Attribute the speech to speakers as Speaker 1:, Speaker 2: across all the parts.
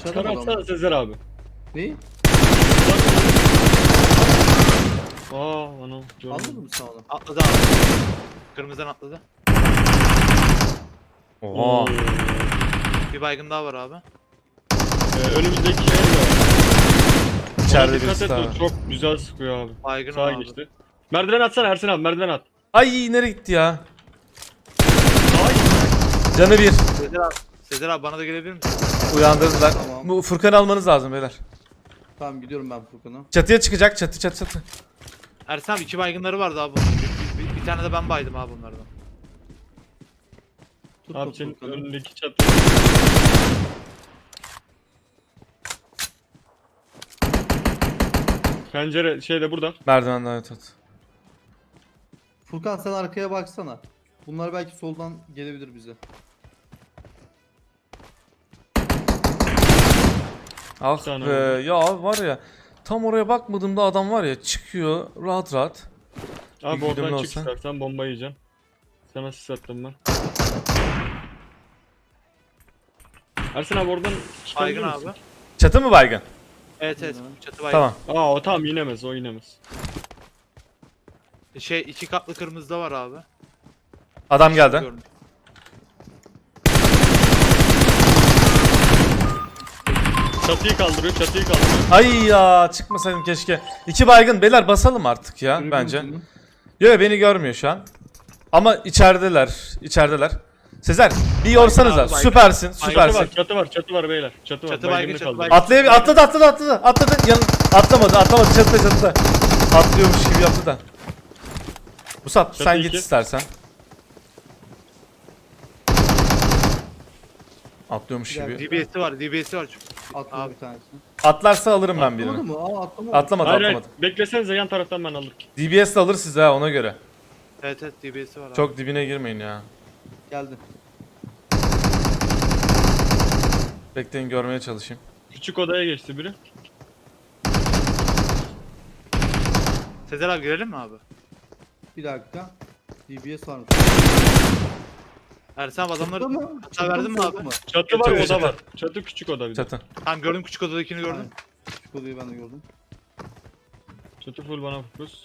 Speaker 1: Aşağıda mı
Speaker 2: atsana
Speaker 1: adam?
Speaker 2: Sezer abi.
Speaker 1: Ne?
Speaker 2: Anam.
Speaker 1: Anladın mı sen onu?
Speaker 3: Atladı abi. Kırmızıdan atladı.
Speaker 4: Oha.
Speaker 3: Bir baygın daha var abi.
Speaker 2: Önümüzdeki yer var.
Speaker 4: İçeride
Speaker 2: Ona dikkat
Speaker 4: birisi
Speaker 2: et,
Speaker 4: daha
Speaker 2: o
Speaker 4: var.
Speaker 2: çok güzel sıkıyor abi.
Speaker 3: Baygın
Speaker 2: Sağa
Speaker 3: abi.
Speaker 2: geçti. Merdiven atsana Ersin abi, merdiven at.
Speaker 4: Ay nereye gitti ya?
Speaker 2: Sağa git.
Speaker 4: Canı bir.
Speaker 3: Sezer abi bana da gelebilir misin?
Speaker 4: Uyandırdılar.
Speaker 1: Tamam.
Speaker 4: Bu Furkan'ı almanız lazım beyler.
Speaker 1: Tamam gidiyorum ben Furkan'a.
Speaker 4: Çatıya çıkacak. Çatı.
Speaker 3: Ersin abi 2 baygınları vardı abi. Bir tane de ben baydım abi bunlardan.
Speaker 1: Tuttum
Speaker 2: Abi senin
Speaker 1: Furkan'ı.
Speaker 2: önündeki çatı. Pencere şeyde burada.
Speaker 4: Merdivenden evet.
Speaker 1: Furkan sen arkaya baksana. Bunlar belki soldan gelebilir bize.
Speaker 4: Ah
Speaker 2: Sana
Speaker 4: be
Speaker 2: oldu.
Speaker 4: ya var ya. Tam oraya bakmadığımda adam var ya çıkıyor rahat rahat.
Speaker 2: Abi
Speaker 4: Bir
Speaker 2: oradan
Speaker 4: güdümlü
Speaker 2: çık
Speaker 4: olsa.
Speaker 2: istersen, bomba yiyeceğim. Sana sis attım ben. Ersin abi oradan çıkabilir
Speaker 3: Baygın
Speaker 2: misin?
Speaker 3: abi.
Speaker 4: Çatı mı baygın?
Speaker 3: Evet evet. Çatı baygın.
Speaker 4: Tamam.
Speaker 2: O tamam, inemez, o inemez.
Speaker 3: Şey 2 katlı kırmızı da var abi.
Speaker 4: Adam geldi.
Speaker 3: Görmüş.
Speaker 2: Çatıyı kaldırıyor, çatıyı kaldırıyor.
Speaker 4: Ay ya çıkmasaydım keşke. 2 baygın beyler basalım artık ya
Speaker 1: Yürü
Speaker 4: bence.
Speaker 1: Furkan'ı.
Speaker 4: Yok beni görmüyor şu an. Ama içerideler. Sezer bir yorsanıza.
Speaker 3: Baygın abi,
Speaker 4: Süpersin,
Speaker 3: baygın.
Speaker 4: süpersin.
Speaker 2: Çatı var beyler. Çatı var.
Speaker 3: Çatı
Speaker 2: Baygını
Speaker 3: baygın, çatı
Speaker 2: kaldırıyor.
Speaker 3: baygın.
Speaker 4: Atladı. Atlamadı. Çatıda. Atlıyormuş gibi yaptı da. Musab
Speaker 2: Çatı
Speaker 4: sen git
Speaker 2: iki.
Speaker 4: istersen. Atlıyormuş
Speaker 1: Bir
Speaker 4: gibi.
Speaker 3: DBS'i var. DBS'i var çünkü.
Speaker 1: Atladı
Speaker 3: Abi.
Speaker 1: bir tanesini.
Speaker 4: Atlarsa alırım ben
Speaker 1: Atlamadı
Speaker 4: birini.
Speaker 1: mı? Atlamadı.
Speaker 4: Atlamadı.
Speaker 2: Hayır, beklesenize, yan taraftan ben alırım.
Speaker 4: DBS de alır size ha ona göre.
Speaker 3: Evet evet DBS'i var abi.
Speaker 4: Çok dibine girmeyin ya.
Speaker 1: Geldi.
Speaker 4: Bekleyin görmeye çalışayım.
Speaker 2: Küçük odaya geçti biri.
Speaker 3: Sezer abi girelim mi abi?
Speaker 1: Bir dakika. DBS var mı?
Speaker 3: Ersin abi adamları
Speaker 1: Çıktı mı?
Speaker 3: hata verdin mi
Speaker 1: Solda
Speaker 3: abi?
Speaker 1: mı?
Speaker 2: Çatı var,
Speaker 4: Çatı,
Speaker 2: oda
Speaker 4: çatı.
Speaker 2: var. Çatı küçük oda bir de.
Speaker 4: Çatı.
Speaker 3: Tamam gördüm küçük odadakini gördüm.
Speaker 1: Aynen. Küçük odayı ben de gördüm.
Speaker 2: Çatı full bana fokus.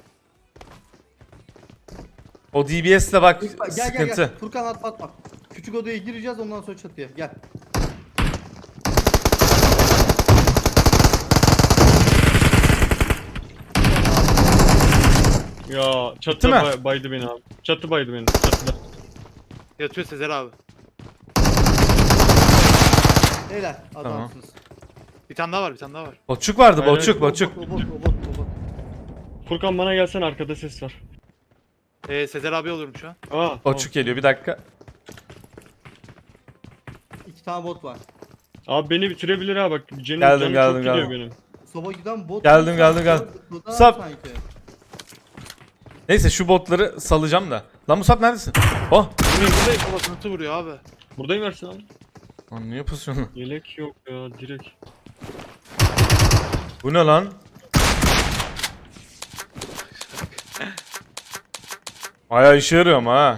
Speaker 4: O DBS de bak
Speaker 1: Gel
Speaker 4: sıkıntı.
Speaker 1: gel. Furkan atma. Küçük odaya gireceğiz ondan sonra çatıya. Gel.
Speaker 2: Ya çatı
Speaker 4: Bitti mi?
Speaker 2: baydı beni abi. Çatı baydı beni. Çatıda.
Speaker 3: Yatıyor Sezer abi.
Speaker 1: Helal adamsınız.
Speaker 3: Bir tane daha var bir tane daha var.
Speaker 4: Boçuk vardı
Speaker 2: Hayır,
Speaker 4: boçuk.
Speaker 1: O bot.
Speaker 2: Furkan bana gelsen, arkada ses var.
Speaker 3: Sezer abi olurum şu an.
Speaker 4: Boçuk geliyor bir dakika.
Speaker 1: İki tane bot var.
Speaker 2: Abi beni bitirebilir ha bak. Canım,
Speaker 4: Geldim,
Speaker 2: canım
Speaker 4: geldim,
Speaker 2: çok gidiyor
Speaker 4: geldim.
Speaker 2: benim.
Speaker 1: Soba giden bot.
Speaker 4: Geldim.
Speaker 1: Burada
Speaker 4: Sap.
Speaker 1: sanki.
Speaker 4: Neyse şu botları salacağım da. Lan Musab neredesin? Oh.
Speaker 3: Buradayım babasını vuruyor abi.
Speaker 2: Buradayım Ersin abi.
Speaker 4: Lan niye yapıyorsun?
Speaker 2: Yelek yok ya, direkt.
Speaker 4: Bu ne lan? Bayağı işe yarıyor ama ha.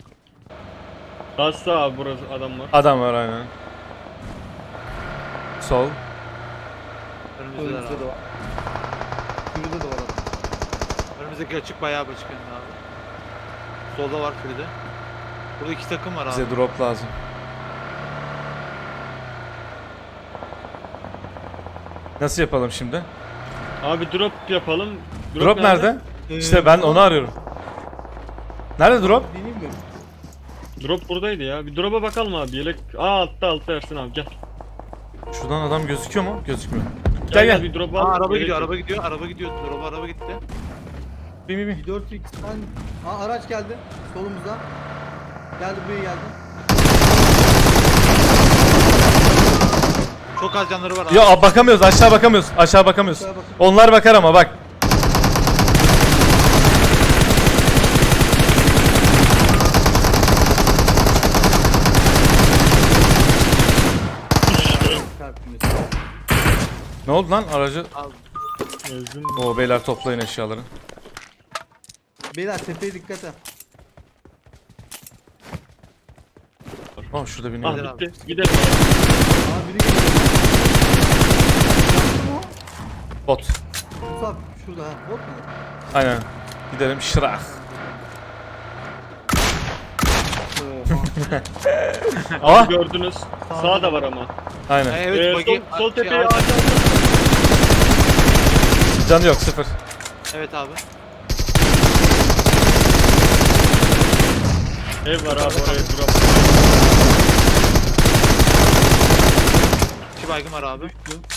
Speaker 2: Hasta abi, burası adam var.
Speaker 4: Adam var aynen. Sol.
Speaker 3: Önümüzdeler
Speaker 1: Önümüzde
Speaker 3: abi.
Speaker 1: de var. Şurada da var adam.
Speaker 3: Önümüzdeki açık bayağı açık önünde abi. Solda var Fride. Burada 2 takım var abi.
Speaker 4: Bize drop lazım. Nasıl yapalım şimdi?
Speaker 2: Abi drop yapalım.
Speaker 4: Drop nerede? İşte ben onu arıyorum. Nerede drop?
Speaker 1: Deneyim mi?
Speaker 2: Drop buradaydı ya. Bir drop'a bakalım abi. Yelek. Altta Ersin abi, gel.
Speaker 4: Şuradan adam gözüküyor mu? Gözükmüyor. Gel.
Speaker 2: Bir drop
Speaker 3: Aa,
Speaker 2: al.
Speaker 3: araba
Speaker 2: Yelek
Speaker 3: gidiyor,
Speaker 2: yok.
Speaker 3: araba gidiyor. Araba gitti.
Speaker 4: Bir.
Speaker 1: 4x'ten... Araç geldi. Solumuzdan. Geldi buraya geldi.
Speaker 3: Çok az canları var abi.
Speaker 4: Ya bakamıyoruz aşağı bakamıyoruz. Aşağı bakamıyoruz.
Speaker 1: Aşağı bakın.
Speaker 4: Onlar bakar ama bak.
Speaker 1: Çarptınız.
Speaker 4: Ne oldu lan aracı?
Speaker 3: Abi,
Speaker 2: Ezdim.
Speaker 4: Oo beyler toplayın eşyaları.
Speaker 1: Beyler tepeye dikkat et.
Speaker 4: Oh şurada bir
Speaker 2: Ah
Speaker 4: ne?
Speaker 3: Gidelim abi.
Speaker 2: bitti. Gidelim abi.
Speaker 1: Aa biri geliyor.
Speaker 4: Bot.
Speaker 1: Musab şurada ha. Bot mu?
Speaker 4: Aynen. Gidelim şırak.
Speaker 1: Oha.
Speaker 4: Aa,
Speaker 2: Abi gördünüz. Sağ da var ama.
Speaker 4: aynen.
Speaker 3: Evet bagi.
Speaker 2: Sol tepeye
Speaker 3: Şey,
Speaker 2: ağaç aldı.
Speaker 4: Canı yok, 0.
Speaker 3: Evet abi.
Speaker 2: Ev var abi oraya drop.
Speaker 3: 2 baygın var abi.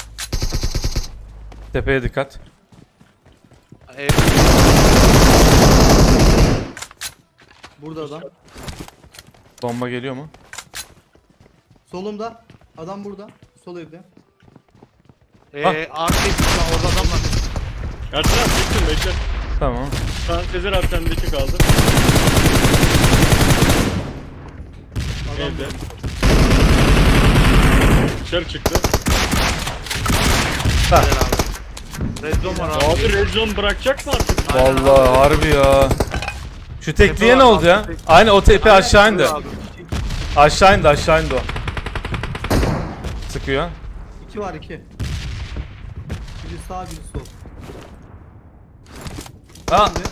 Speaker 4: Tepeye dikkat.
Speaker 3: Evet.
Speaker 1: Burada adam.
Speaker 4: Bomba geliyor mu?
Speaker 1: Solumda. Adam burada. Sol evde.
Speaker 3: Abi orada adam var.
Speaker 2: Ersin abi bekle bekle.
Speaker 4: Tamam.
Speaker 2: Şu an Sezer abi sendeki kaldı.
Speaker 1: Adam
Speaker 2: Evde. Dışarı çıktı.
Speaker 4: Ha.
Speaker 3: Güzel abi. Red zone var abi.
Speaker 2: Abi red zone bırakacak mı artık?
Speaker 4: Vallahi harbi ya. Şu tekliğe
Speaker 3: var
Speaker 4: ne oldu
Speaker 3: abi,
Speaker 4: ya?
Speaker 3: tepe.
Speaker 4: Aynen o tepe aşağı indi.
Speaker 3: Abi.
Speaker 4: Aşağı indi o. Sıkıyor.
Speaker 1: 2 var 2. Biri sağ biri sol.
Speaker 4: Ha.
Speaker 1: Şimdi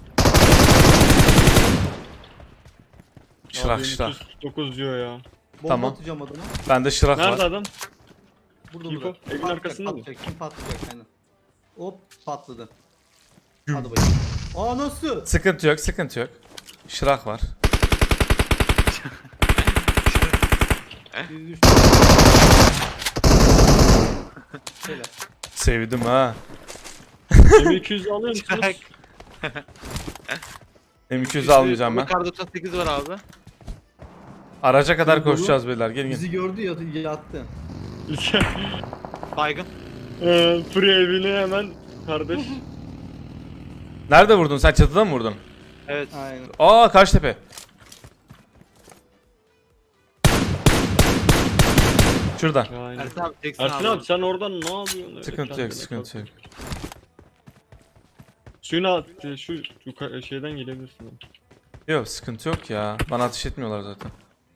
Speaker 4: Şırak şırak.
Speaker 2: 9 diyor ya.
Speaker 1: bomba
Speaker 4: Tamam.
Speaker 1: atacağım adama.
Speaker 4: Bende şırak
Speaker 2: Nerede
Speaker 4: var.
Speaker 2: adam?
Speaker 1: Burada
Speaker 2: Info,
Speaker 1: burada.
Speaker 2: evin
Speaker 1: Patlayacak,
Speaker 2: arkasında mı?
Speaker 1: patlayacak. Kim patlayacak aynen. Hop patladı. Hadi bakayım. Aa nasıl?
Speaker 4: Sıkıntı yok, sıkıntı yok. Şırak var.
Speaker 1: Biri düştü. Şöyle.
Speaker 4: Sevdim ha.
Speaker 2: M200 alıyor musunuz?
Speaker 4: M200 almayacağım ben.
Speaker 3: Kar 98 var abi.
Speaker 4: Araca kadar
Speaker 1: Dolu.
Speaker 4: koşacağız beyler. Gelin gelin.
Speaker 1: Bizi gördü yattı.
Speaker 3: Baygın.
Speaker 2: Free evine hemen kardeş.
Speaker 4: Nerede vurdun? Sen çatıda mı vurdun?
Speaker 3: Evet.
Speaker 1: Aynen.
Speaker 4: Aa, karşı tepe. Şuradan.
Speaker 2: Aynen.
Speaker 3: Ersin abi teksin
Speaker 2: Ersin abi sen oradan ne yapıyorsun? Öyle
Speaker 4: Sıkıntı yok,
Speaker 2: kendine
Speaker 4: sıkıntı yok.
Speaker 2: kalk. Suyun altı şu şeyden gelebilirsin. Abi.
Speaker 4: Yok, sıkıntı yok ya. Bana ateş etmiyorlar zaten.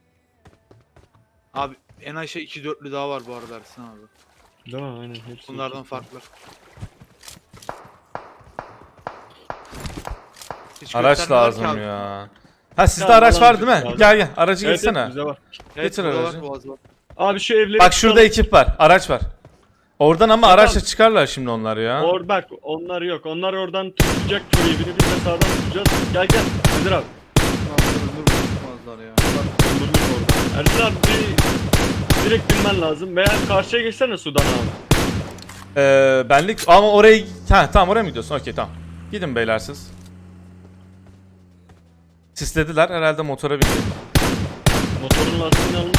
Speaker 3: Abi en aşağı 2 dörtlü daha var bu arada Ersin abi.
Speaker 2: Değil mi? Aynen. Hepsi
Speaker 3: Bunlardan farklı. Hiç
Speaker 4: Araç
Speaker 3: göstermiyorlar ki
Speaker 4: lazım
Speaker 3: abi.
Speaker 4: ya. Ha, sizde
Speaker 2: Ya,
Speaker 4: araç var değil mi?
Speaker 2: lazım.
Speaker 4: Gel gel, aracı
Speaker 2: Evet,
Speaker 4: geçsene.
Speaker 2: evet, bize var.
Speaker 3: Evet,
Speaker 4: Getir
Speaker 3: burada
Speaker 4: aracı.
Speaker 3: var, Boğaz var.
Speaker 2: Abi şu evleri
Speaker 4: Bak şurada
Speaker 2: tutalım.
Speaker 4: ekip var, araç var. Oradan ama
Speaker 2: Tamam.
Speaker 4: araçla çıkarlar şimdi onlar ya.
Speaker 2: Bak onlar yok. Onlar oradan tutacak köy evini. Biz de sağdan tutacağız. Gel gel. Sezer abi.
Speaker 1: Ömür tutmazlar ya.
Speaker 2: Öldürdük orada. Ersin abi direkt binmen lazım. Veya karşıya geçsene sudan abi.
Speaker 4: Benlik ama oraya... Ha tamam, oraya mı gidiyorsun? Okey, tamam. Gidin beyler siz. Sislediler herhalde, motora bindi.
Speaker 2: Motorun lastiğini almış.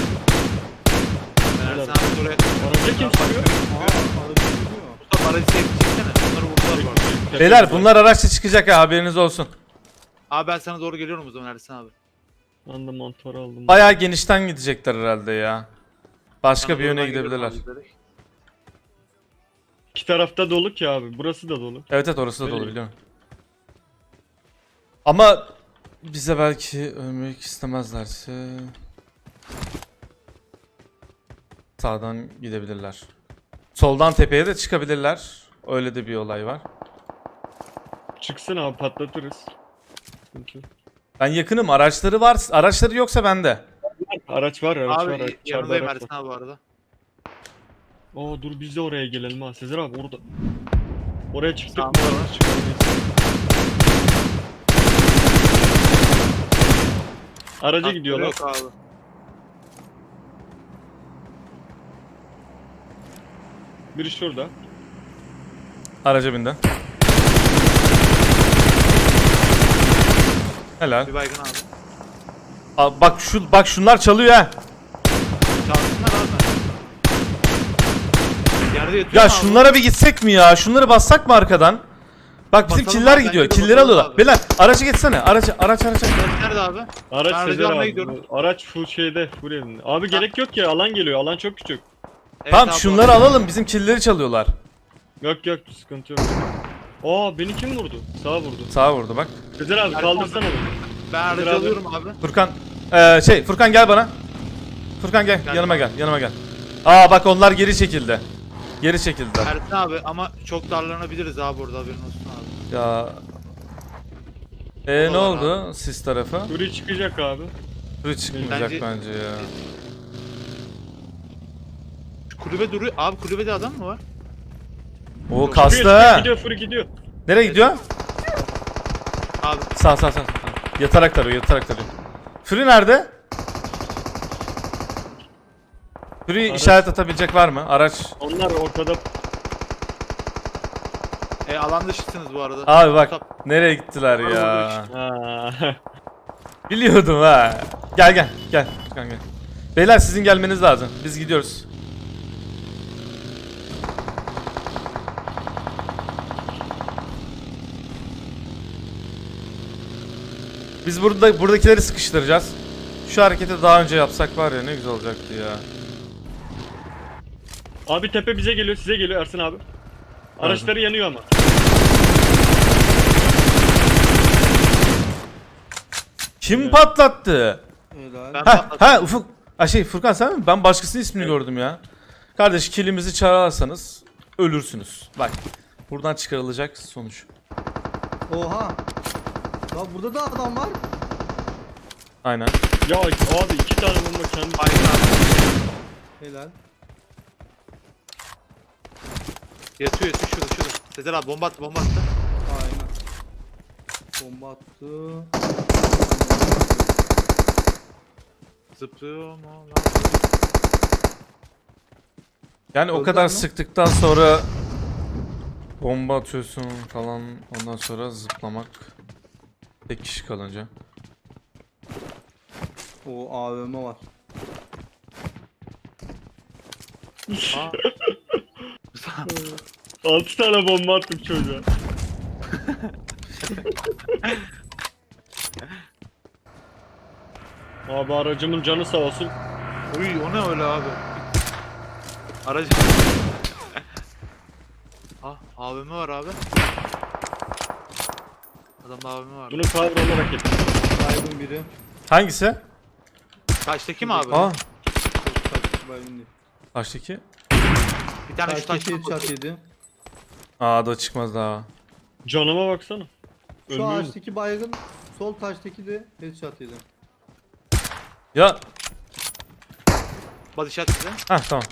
Speaker 3: Ben Ersin
Speaker 2: Helal.
Speaker 3: abi oraya...
Speaker 2: Araca kim sürüyor?
Speaker 1: Aa araba gidiyor.
Speaker 3: Mustafa aracı çeksene. Bunları vurdular bu arada.
Speaker 4: Beyler bunlar araçla çıkacak ha, haberiniz olsun.
Speaker 3: Abi ben sana doğru geliyorum o zaman Ersin abi.
Speaker 2: Ben de motor aldım.
Speaker 4: Bayağı genişten gidecekler herhalde ya. Başka
Speaker 3: Sana
Speaker 4: bir
Speaker 3: doğru
Speaker 4: yöne
Speaker 3: ben geliyorum
Speaker 4: gidebilirler.
Speaker 3: abi direkt.
Speaker 2: İki tarafta dolu ki abi. Burası da dolu.
Speaker 4: Evet evet, orası da dolu
Speaker 2: Öyle.
Speaker 4: biliyorum. Ama bize belki ölmek istemezlerse sağdan gidebilirler. Soldan tepeye de çıkabilirler. Öyle de bir olay var.
Speaker 2: Çıksın abi patlatırız. Sıkıntı yok.
Speaker 4: Ben yakınım. Araçları var. Araçları yoksa bende.
Speaker 2: Araç var, araç var.
Speaker 3: Abi
Speaker 2: İçeride
Speaker 3: yanındayım
Speaker 2: araç
Speaker 3: Ersin
Speaker 2: var.
Speaker 3: abi bu arada.
Speaker 2: Dur biz de oraya gelelim ha. Sezer abi orada. Oraya çıktık mı?
Speaker 3: Sağımda var.
Speaker 2: Araca
Speaker 3: Hakları
Speaker 2: gidiyorlar.
Speaker 3: Yok abi.
Speaker 2: Biri şurada.
Speaker 4: Araca bindi. Helal.
Speaker 3: Bir baygın abi.
Speaker 4: Bak şunlar çalıyor ha.
Speaker 3: Çalsınlar abi. Yerde yatıyor
Speaker 4: Ya
Speaker 3: mu abi?
Speaker 4: şunlara bir gitsek mi ya? Şunları bassak mı arkadan? Bak bizim
Speaker 3: Basalım
Speaker 4: killer
Speaker 3: abi,
Speaker 4: gidiyor.
Speaker 3: bence de
Speaker 4: Killeri
Speaker 3: basalım
Speaker 4: alıyorlar.
Speaker 3: abi.
Speaker 4: Beyler aracı geçsene. Araç.
Speaker 3: Nerede abi?
Speaker 2: Araç
Speaker 3: Ben
Speaker 2: Sezer
Speaker 3: almaya
Speaker 2: abi.
Speaker 3: gidiyorum.
Speaker 2: Araç full şeyde. Full elinde. Abi gerek yok ya. Alan geliyor. Alan çok küçük.
Speaker 3: Evet
Speaker 4: Tamam
Speaker 3: abi,
Speaker 4: şunları
Speaker 3: bu arada.
Speaker 4: alalım. Bizim killeri çalıyorlar.
Speaker 2: Yok sıkıntı yok. Beni kim vurdu? Sağa vurdu.
Speaker 4: Sağa vurdu bak.
Speaker 2: Sezer abi
Speaker 3: Erkan-
Speaker 2: kaldırsana beni.
Speaker 3: Ben aracı
Speaker 2: Sezer abi.
Speaker 3: alıyorum abi.
Speaker 4: Furkan gel bana. Furkan gel.
Speaker 3: Gel
Speaker 4: Yanıma
Speaker 3: abi.
Speaker 4: gel. Aa bak onlar geri çekildi. Geri çekildiler.
Speaker 3: Ersin abi ama çok darlanabiliriz abi orada, haberin olsun abi.
Speaker 4: Ya. Ne
Speaker 3: Odalar
Speaker 4: oldu sis tarafı?
Speaker 2: Fury çıkacak abi.
Speaker 4: Fury çıkmayacak
Speaker 3: Bence-
Speaker 4: bence ya.
Speaker 3: Şu kulübe duruyor. Abi kulübede adam mı var?
Speaker 4: O
Speaker 3: Yok,
Speaker 4: kastı
Speaker 2: Gidiyor,
Speaker 4: ha.
Speaker 2: gidiyor Fury gidiyor.
Speaker 4: Nereye gidiyor?
Speaker 3: Abi
Speaker 4: Sağ. Yatarak tarıyor. Fury nerede? Fury
Speaker 2: Araç.
Speaker 4: işaret atabilecek var mı? Araç.
Speaker 2: Onlar ortada.
Speaker 3: alan dışısınız bu arada.
Speaker 4: Abi bak
Speaker 3: Musab,
Speaker 4: nereye gittiler
Speaker 3: Var
Speaker 4: ya.
Speaker 2: Ha.
Speaker 4: Biliyordum ha. Gel. Furkan gel. Beyler sizin gelmeniz lazım. Biz gidiyoruz. Biz buradakileri sıkıştıracağız. Şu hareketi daha önce yapsak var ya ne güzel olacaktı ya.
Speaker 2: Abi tepe bize geliyor, size geliyor Ersin abi. Araçları yanıyor ama.
Speaker 4: Kim patlattı?
Speaker 1: Helal.
Speaker 3: Ben
Speaker 4: Ha
Speaker 3: patladım.
Speaker 4: Ufuk. Furkan sen mi? Ben başkasının ismini gördüm ya. Kardeş kilimizi çalarsanız ölürsünüz. Bak buradan çıkarılacak sonuç.
Speaker 1: Oha. Ya burada da adam var.
Speaker 4: Aynen.
Speaker 2: Ya abi 2 tane bomba kendi.
Speaker 3: Aynen abi.
Speaker 1: Helal.
Speaker 3: Yatıyor şurada. Sezer abi bomba attı.
Speaker 1: Aynen. Bomba attı.
Speaker 3: Zıplıyor mu lan?
Speaker 4: Yani o
Speaker 1: Öldüler
Speaker 4: kadar
Speaker 1: mi?
Speaker 4: sıktıktan sonra bomba atıyorsun falan ondan sonra zıplamak. Tek kişi kalınca.
Speaker 1: O AVM var.
Speaker 3: Aa,
Speaker 2: 6 tane bomba attım çocuğa. Abi aracımın canı sağ olsun.
Speaker 3: uy o ne öyle abi? Aracı. AVM var abi. Adamda AVM var.
Speaker 2: Bunu cover olarak yapayım.
Speaker 1: Baygın biri.
Speaker 4: Hangisi?
Speaker 3: Taştaki mi abi?
Speaker 4: Aa,
Speaker 1: Taştaki baygın değil.
Speaker 4: taştaki.
Speaker 3: Bir tane şu
Speaker 1: Taştaki
Speaker 3: taşta.
Speaker 1: headshot yedi.
Speaker 4: Aa da çıkmaz daha.
Speaker 2: Canıma baksana.
Speaker 1: Şu
Speaker 2: Ölmüyor mu?
Speaker 1: ağaçtaki baygın. Sol taştaki de headshot yedi.
Speaker 4: Ya
Speaker 3: Body shot size.
Speaker 4: tamam.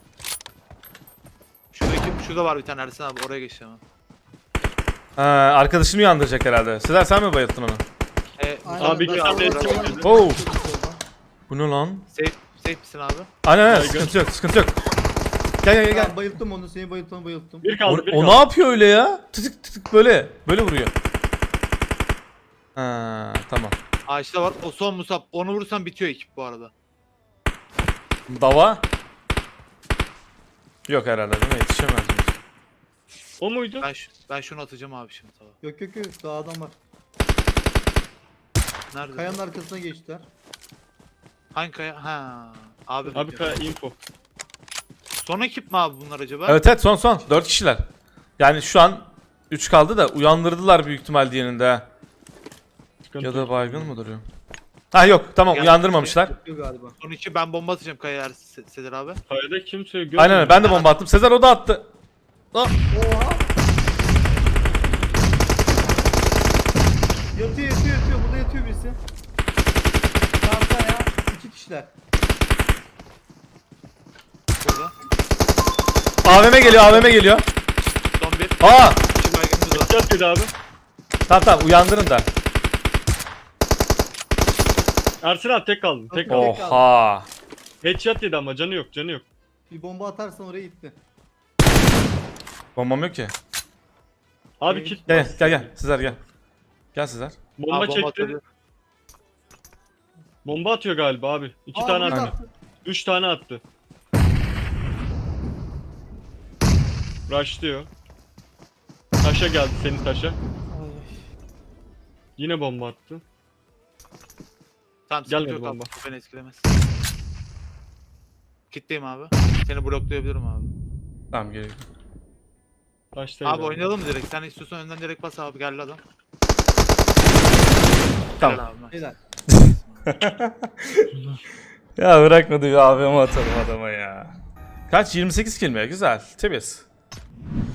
Speaker 3: Şurada var bir tane Ersin abi, oraya geçeceğim abi.
Speaker 4: Arkadaşını uyandıracak herhalde. Sezer sen mi bayılttın onu?
Speaker 1: Aynen,
Speaker 2: Abi
Speaker 1: ben
Speaker 2: iki tane
Speaker 1: soldan-
Speaker 2: eski oynadı.
Speaker 4: Oo. Bu ne lan?
Speaker 3: Safe misin abi?
Speaker 4: Aynen
Speaker 2: Baygın.
Speaker 4: sıkıntı yok. Gel.
Speaker 1: Ya, bayılttım onu, seni bayılttım.
Speaker 2: Bir
Speaker 4: O,
Speaker 2: kaldı, bir
Speaker 4: o ne
Speaker 2: kaldı.
Speaker 4: yapıyor öyle ya? Tık böyle vuruyor. Tamam.
Speaker 3: Ağaçta var. O son Musab. Onu vurursan bitiyor ekip bu arada.
Speaker 4: Dava. Yok herhalde değil mi? Yetişemez mi?
Speaker 2: O muydu?
Speaker 3: Ben şunu atacağım abi şimdi tamam.
Speaker 1: Yok daha adam var.
Speaker 3: Nerede?
Speaker 1: Kayanın arkasına geçtiler.
Speaker 3: Hangi kaya? Ha. Abi.
Speaker 2: Abi info.
Speaker 3: Son ekip mi abi bunlar acaba?
Speaker 4: Evet son 4 kişiler. Yani şu an 3 kaldı da uyandırdılar büyük ihtimal diğerinde ha.
Speaker 2: Sıkıntı
Speaker 4: Ya da
Speaker 2: yok.
Speaker 4: baygın mı duruyor? Ha yok tamam
Speaker 3: Gel-
Speaker 4: uyandırmamışlar.
Speaker 1: Yok galiba.
Speaker 3: Son iki ben bomba atacağım kayaya Sezer abi.
Speaker 2: Kayada kimse görmüyor.
Speaker 4: Aynen ben de bomba attım. Sezer o da attı.
Speaker 1: Oha! Yatıyor. Burada yatıyor birisi. Sağda ya. 2 kişiler.
Speaker 3: Burada.
Speaker 4: AVM geliyor.
Speaker 3: Son bir.
Speaker 4: Aa!
Speaker 3: İki baygınımız var.
Speaker 2: Çat dedi abi.
Speaker 4: Tamam uyandırın da.
Speaker 2: Ersin abi tek kaldı. Tek
Speaker 1: Oh.
Speaker 2: kaldı.
Speaker 4: Oha.
Speaker 2: Headshot yedi ama canı yok.
Speaker 1: Bir bomba atarsan oraya gitti.
Speaker 4: Bombam yok ki.
Speaker 2: Abi kit.
Speaker 4: Gel Sezer gel. Gel Sezer.
Speaker 2: Bomba
Speaker 3: Abi bomba
Speaker 2: çekti.
Speaker 3: atabiliyor.
Speaker 2: Bomba atıyor galiba abi. 2
Speaker 1: Aa,
Speaker 2: tane
Speaker 1: burada
Speaker 2: attı.
Speaker 1: attı.
Speaker 2: 3 tane attı. Rushlıyor. Taşa geldi, senin taşa. Yine bomba attı.
Speaker 3: Tamam
Speaker 2: Gelmedi
Speaker 3: sıkıntı yok
Speaker 2: bomba.
Speaker 3: abi. Beni etkilemez. Kitleyim abi. Seni bloklayabilirim abi.
Speaker 4: Tamam geliyor.
Speaker 2: Taştaydı
Speaker 3: Abi oynayalım mı direkt? Sen istiyorsan önden direkt bas abi, geldi adam.
Speaker 4: Tamam.
Speaker 3: Helal abi.
Speaker 1: Helal.
Speaker 4: Ya bırakmadı bir AVM atalım adama ya. Kaç? 28 kill mi? Güzel. Temiz.